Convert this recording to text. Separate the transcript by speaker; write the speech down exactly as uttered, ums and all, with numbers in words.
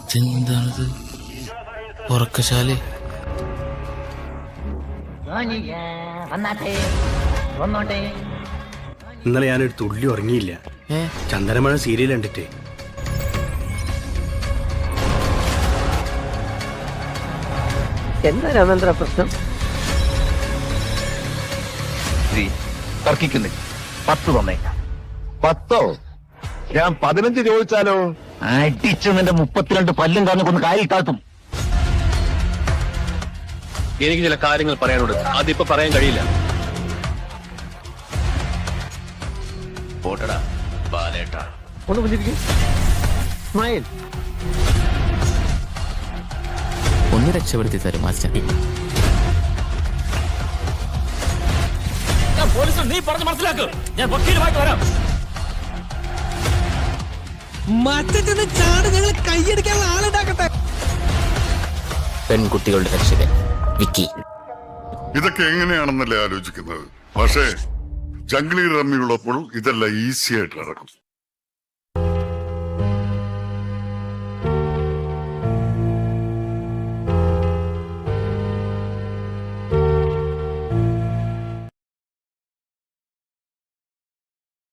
Speaker 1: ഇതെന്താണിത്? ഉറക്കശാല.
Speaker 2: ഇന്നലെ ഞാനൊരു തുള്ളി ഉറങ്ങിയില്ല. ചന്ദനമഴ സീരിയൽ കണ്ടിട്ട്.
Speaker 3: എന്താ രാമേന്ദ്ര പ്രശ്നം?
Speaker 4: തർക്കിക്കുന്നില്ല. പത്ത് തന്നേക്കാം. പത്തോ? ഞാൻ പതിനഞ്ച് ചോദിച്ചാലോ? അടിച്ചു നിന്റെ മുപ്പത്തിരണ്ട് പല്ലും കാണുന്ന കാലിൽ താത്തും.
Speaker 5: എനിക്ക് ചില കാര്യങ്ങൾ പറയാനുണ്ട്. അതിപ്പോ പറയാൻ കഴിയില്ല. പോട്ടടാ ബാലേട്ടാ.
Speaker 3: ഒന്ന് പുഞ്ചിരിക്കും. സ്മൈൽ.
Speaker 1: ഒന്ന് രക്ഷപ്പെടുത്തി തരും മാസ്റ്റർ.
Speaker 5: നീ പറഞ്ഞ് മനസ്സിലാക്ക്. ഞാൻ വക്കീലുമായിട്ട് വരാം.
Speaker 6: മറ്റേ ചാട് ഞങ്ങൾ കൈയടിക്കാനുള്ള ആളുണ്ടാക്കട്ടെ.
Speaker 1: പെൺകുട്ടികളുടെ രക്ഷകൻ വിക്കി.
Speaker 7: ഇതൊക്കെ എങ്ങനെയാണെന്നല്ലേ ആലോചിക്കുന്നത്. പക്ഷേ ജംഗ്ലി റമ്മിയുള്ളപ്പോൾ ഇതെല്ലാം ഈസി ആയിട്ട് നടക്കും.